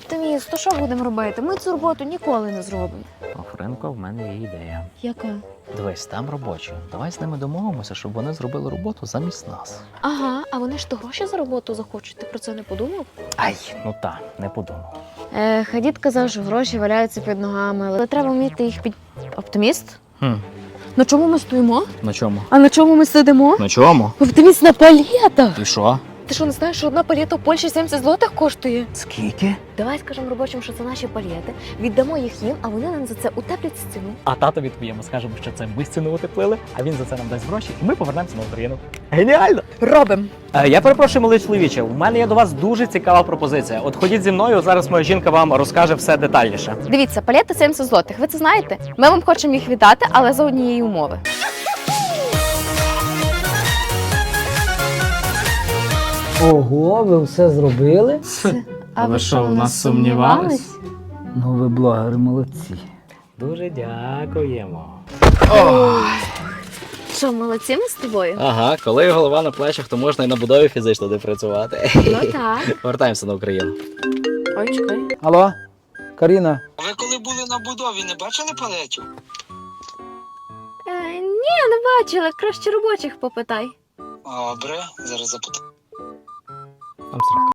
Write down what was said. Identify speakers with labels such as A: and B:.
A: Оптиміст, то що будемо робити? Ми цю роботу ніколи не зробимо.
B: Френко, в мене є ідея.
A: Яка?
B: Дивись, там робочі. Давай з ними домовимося, щоб вони зробили роботу замість нас.
A: Ага, а вони ж то гроші за роботу захочуть, ти про це не подумав?
B: Ай, ну та, не подумав.
A: Дід казав, що гроші валяються під ногами, але треба вміти їх під... Оптиміст? На чому ми стоїмо?
B: На чому?
A: А на чому ми сидимо?
B: На чому?
A: Оптиміст на палетах!
B: І що?
A: Ти що, не знаєш, що одна палета в Польщі 70 злотих коштує?
B: Скільки?
A: Давай скажемо робочим, що це наші палети, віддамо їх їм, а вони нам за це утеплять стіну.
B: А тато відповімо, скажемо, що це ми стіну утеплили, а він за це нам дасть гроші, і ми повернемося на Україну. Геніально!
A: Робимо!
B: Я перепрошую, малий чоловіче, у мене є до вас дуже цікава пропозиція. От ходіть зі мною, зараз моя жінка вам розкаже все детальніше.
A: Дивіться, палети 70 злотих, ви це знаєте? Ми вам хочемо їх віддати, але за однієї умови.
C: Ого, ви все зробили?
A: А ви що, в нас сумнівались?
C: Ну, ви блогери молодці.
B: Дуже дякуємо.
A: Що, молодці ми з тобою?
B: Ага, коли голова на плечах, то можна і на будові фізично не працювати.
A: Ну так.
B: Повертаємося на Україну.
A: Ой, чекай.
C: Алло, Каріна,
D: Ви коли були на будові, не бачили палетів?
A: Ні, не бачила, краще робочих попитай.
D: Добре, зараз запитаю.
B: Там